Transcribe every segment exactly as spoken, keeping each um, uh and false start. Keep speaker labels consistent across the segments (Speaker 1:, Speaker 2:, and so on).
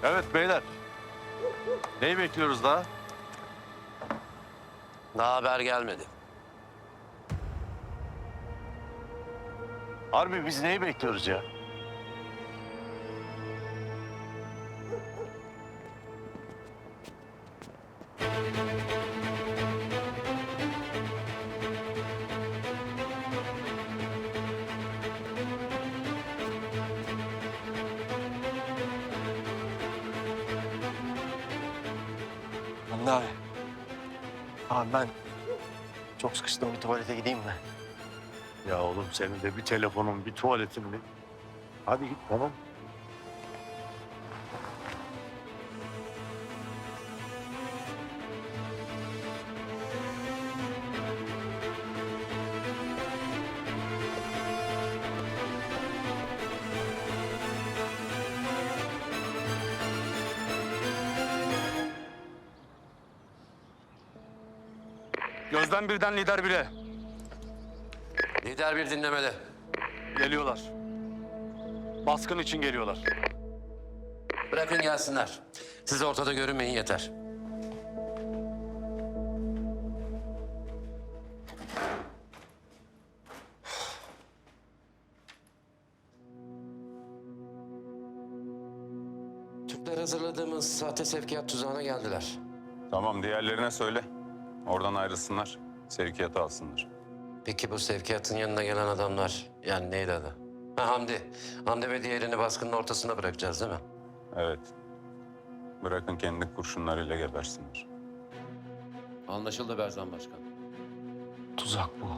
Speaker 1: Evet beyler. Neyi bekliyoruz daha?
Speaker 2: Daha haber gelmedi.
Speaker 1: Harbi biz neyi bekliyoruz ya?
Speaker 3: Hamdi abi. Abi ben çok sıkıştım, bir tuvalete gideyim mi?
Speaker 1: Ya oğlum senin de bir telefonun, bir tuvaletin mi? Hadi git tamam.
Speaker 4: Gözden birden lider bire.
Speaker 2: Lider bir dinlemede.
Speaker 4: Geliyorlar. Baskın için geliyorlar.
Speaker 2: Bırakın gelsinler. Siz ortada görünmeyin yeter. Türkler hazırladığımız sahte sevkiyat tuzağına geldiler.
Speaker 5: Tamam, diğerlerine söyle. Oradan ayrılsınlar, sevkiyatı alsınlar.
Speaker 2: Peki bu sevkiyatın yanına gelen adamlar, yani neydi adı? Ha, Hamdi. Hamdi ve diğerini baskının ortasına bırakacağız değil mi?
Speaker 5: Evet. Bırakın kendi kurşunlarıyla gebersinler.
Speaker 2: Anlaşıldı Berzan Başkan.
Speaker 3: Tuzak bu.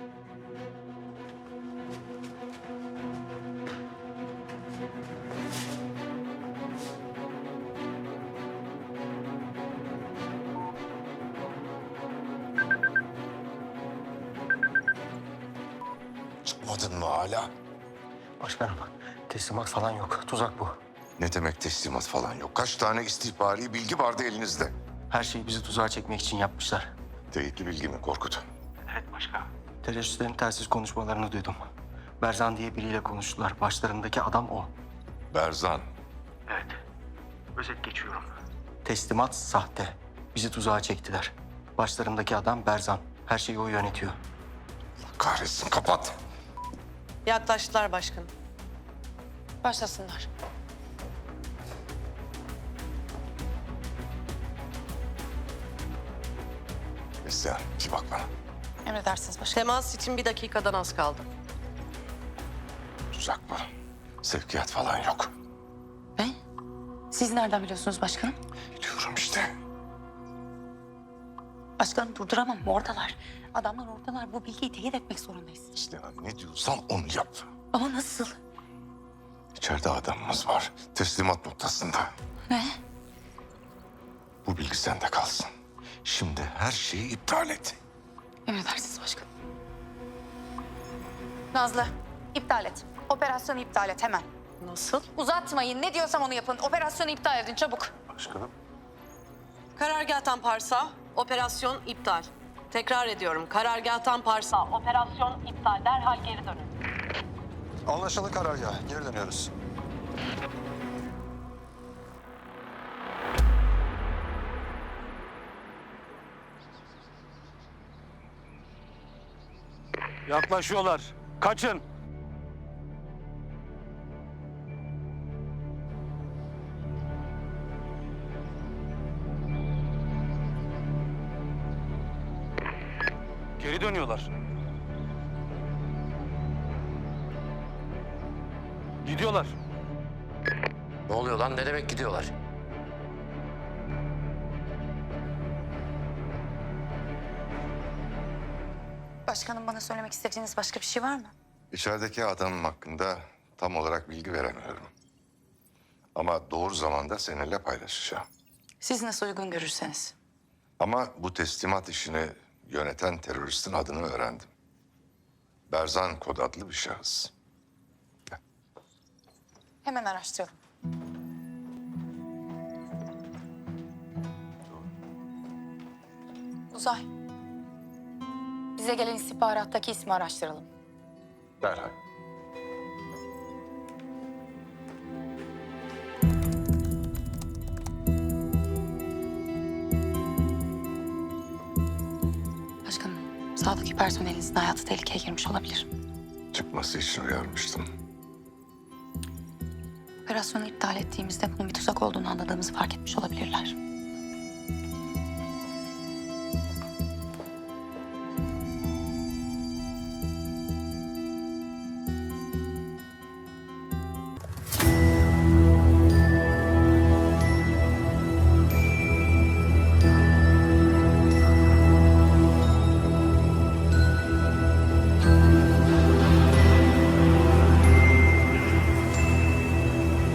Speaker 6: Çıkmadın mı hala?
Speaker 3: Başkanım, teslimat falan yok. Tuzak bu.
Speaker 6: Ne demek teslimat falan yok? Kaç tane istihbari bilgi vardı elinizde?
Speaker 3: Her şeyi bizi tuzağa çekmek için yapmışlar.
Speaker 6: Teyitli bilgi mi Korkut?
Speaker 3: Evet başkanım. Teröristlerin telsiz konuşmalarını duydum. Berzan diye biriyle konuştular. Başlarındaki adam o.
Speaker 6: Berzan.
Speaker 3: Evet. Özet geçiyorum. Teslimat sahte. Bizi tuzağa çektiler. Başlarındaki adam Berzan. Her şeyi o yönetiyor.
Speaker 6: Kahretsin, kapat.
Speaker 7: Yaklaştılar başkanım.
Speaker 8: Başlasınlar.
Speaker 6: Neslihan, bir bak bana.
Speaker 8: Emredersiniz başkanım.
Speaker 7: Temas için bir dakikadan az kaldı.
Speaker 6: Tuzak mı? Sevkiyat falan yok.
Speaker 8: Ne? Siz nereden biliyorsunuz başkanım?
Speaker 6: Biliyorum işte.
Speaker 8: Başkanım durduramam. Oradalar. Adamlar oradalar. Bu bilgiyi teyit etmek zorundayız.
Speaker 6: Neslihan, ne diyorsam onu yap.
Speaker 8: Ama nasıl?
Speaker 6: İçeride adamımız var. Teslimat noktasında.
Speaker 8: Ne?
Speaker 6: Bu bilgi sende kalsın. Şimdi her şeyi iptal et.
Speaker 8: Emredersiniz başkanım. Nazlı, iptal et. Operasyonu iptal et hemen.
Speaker 7: Nasıl?
Speaker 8: Uzatmayın. Ne diyorsam onu yapın. Operasyonu iptal edin çabuk.
Speaker 1: Başkanım.
Speaker 7: Karargâhtan Pars'a, operasyon iptal. Tekrar ediyorum, karargâhtan Pars'a, operasyon iptal. Derhal geri dönün.
Speaker 9: Anlaşıldı karargah. Geri dönüyoruz.
Speaker 4: Yaklaşıyorlar. Kaçın. Geri dönüyorlar. Gidiyorlar.
Speaker 2: Ne oluyor lan? Ne demek gidiyorlar?
Speaker 8: Başkanım bana söylemek istediğiniz başka bir şey var mı?
Speaker 6: İçerideki adamım hakkında tam olarak bilgi veremiyorum. Ama doğru zamanda seninle paylaşacağım.
Speaker 8: Siz nasıl uygun görürseniz.
Speaker 6: Ama bu teslimat işini yöneten teröristin adını öğrendim. Berzan Kod adlı bir şahıs.
Speaker 8: Hemen araştıralım. Uzay. Bize gelen istihbarattaki ismi araştıralım.
Speaker 6: Derhal.
Speaker 8: Sağdaki personelinizin hayatı tehlikeye girmiş olabilir.
Speaker 6: Çıkması için uyarmıştım.
Speaker 8: Operasyonu iptal ettiğimizde bunun bir tuzak olduğunu anladığımızı fark etmiş olabilirler.